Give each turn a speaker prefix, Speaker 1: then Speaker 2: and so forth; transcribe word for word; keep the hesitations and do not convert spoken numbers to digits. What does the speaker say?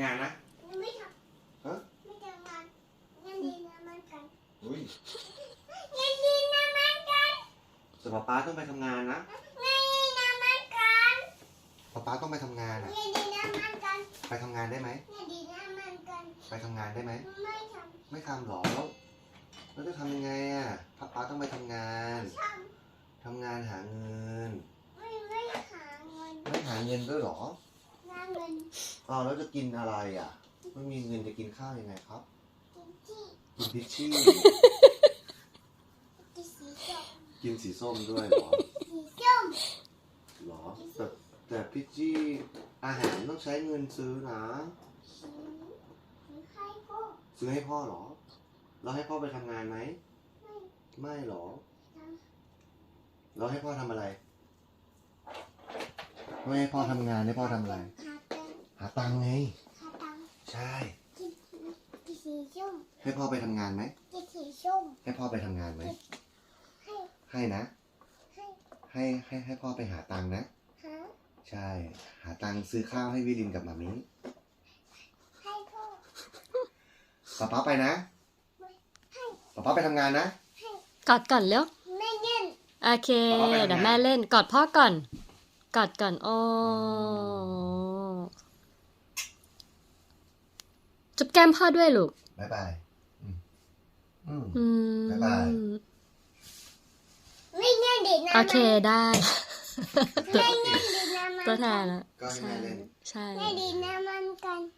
Speaker 1: านนะ
Speaker 2: ไม่ท
Speaker 1: ฮะ
Speaker 2: ำไม่ทำงานงั้นดีนะมันกัน
Speaker 1: อุ้ย
Speaker 2: งั้นดีนะมันกัน
Speaker 1: แต่ป๊าป๊าต้องไปทำงานนะ
Speaker 2: งั้นดีนะมันกัน
Speaker 1: ป๊าป๊าต้องไปทำงานอ่ะ
Speaker 2: งั้นดีนะมันกัน
Speaker 1: ไปทำงานได้ไหม
Speaker 2: งั้นดีนะมันกัน
Speaker 1: ไปทำงานได้ไหม
Speaker 2: ไม่ท
Speaker 1: ไม่ทำหรอแล้วแล้วจะทำยังไงอ่ะป๊าป๊าต้องไปทำงาน
Speaker 2: ำท
Speaker 1: ทำงานหาเงิน
Speaker 2: ำไม่ไม่หาเงิน
Speaker 1: ไม่หาเงินด้วยหรอ
Speaker 2: หาเงิน
Speaker 1: อ้าวแล้วจะกินอะไรอ่ะไม่มีเงินจะกินข้าวยังไงครับ
Speaker 2: กินที่
Speaker 1: กินพิชชี่
Speaker 2: กินสีส้ม
Speaker 1: กินสีส้มด้วยเหรอ
Speaker 2: สีส้ม
Speaker 1: หรอแต่แต่พิชชี่อาหารต้องใช้เงินซื้อนะ
Speaker 2: สีสีให้พ่อ
Speaker 1: ซื้อให้พ่อเหรอเราให้พ่อไปทำงานไหม
Speaker 2: ไม่
Speaker 1: ไม่หรอ
Speaker 2: ท
Speaker 1: เราให้พ่อทำอะไรไม่ให้พ่อทำงานให้พ่อทำอะไร
Speaker 2: ำหาตังค์
Speaker 1: หาตังค์ไง
Speaker 2: หาตังค์
Speaker 1: ใช่
Speaker 2: กินกินสีส้ม
Speaker 1: ให้พ่อไปทำงานไหม
Speaker 2: กินสีส้ม
Speaker 1: ให้พ่อไปทำงานไหม
Speaker 2: ให้
Speaker 1: ให้นะ
Speaker 2: ให้
Speaker 1: ให้ให้ให้พ่อไปหาตังค์นะ
Speaker 2: หา
Speaker 1: ใช่ หาตังค์ซื้อข้าวให้วิลินกับหมามิ
Speaker 2: ให้พ่อ
Speaker 1: ป๊าป๊าไปนะ
Speaker 2: ให้
Speaker 1: ป๊าป๊าไปทำงานนะ
Speaker 2: ให้
Speaker 3: กอดก่อนเร็ว
Speaker 2: ไม่เงิน
Speaker 3: โอเค
Speaker 1: ป๊าป๊าไปทำงาน
Speaker 3: เดี๋ยวแม่เล่น กอดพ่อก่อน กอดก่อน โอ้จุ๊บแก้มพ่อด้วยลูก
Speaker 1: บ๊ายบายอืมอืม
Speaker 3: อืม
Speaker 1: บ๊ายบาย
Speaker 2: ไม่เงินดีนะ
Speaker 3: โอเคได้
Speaker 2: ไม่เงินดีนะมัน
Speaker 3: ตัวแทนละ
Speaker 1: ก็ให้แม่เล่น
Speaker 3: ใช่
Speaker 2: ไม่ดีนะมันกัน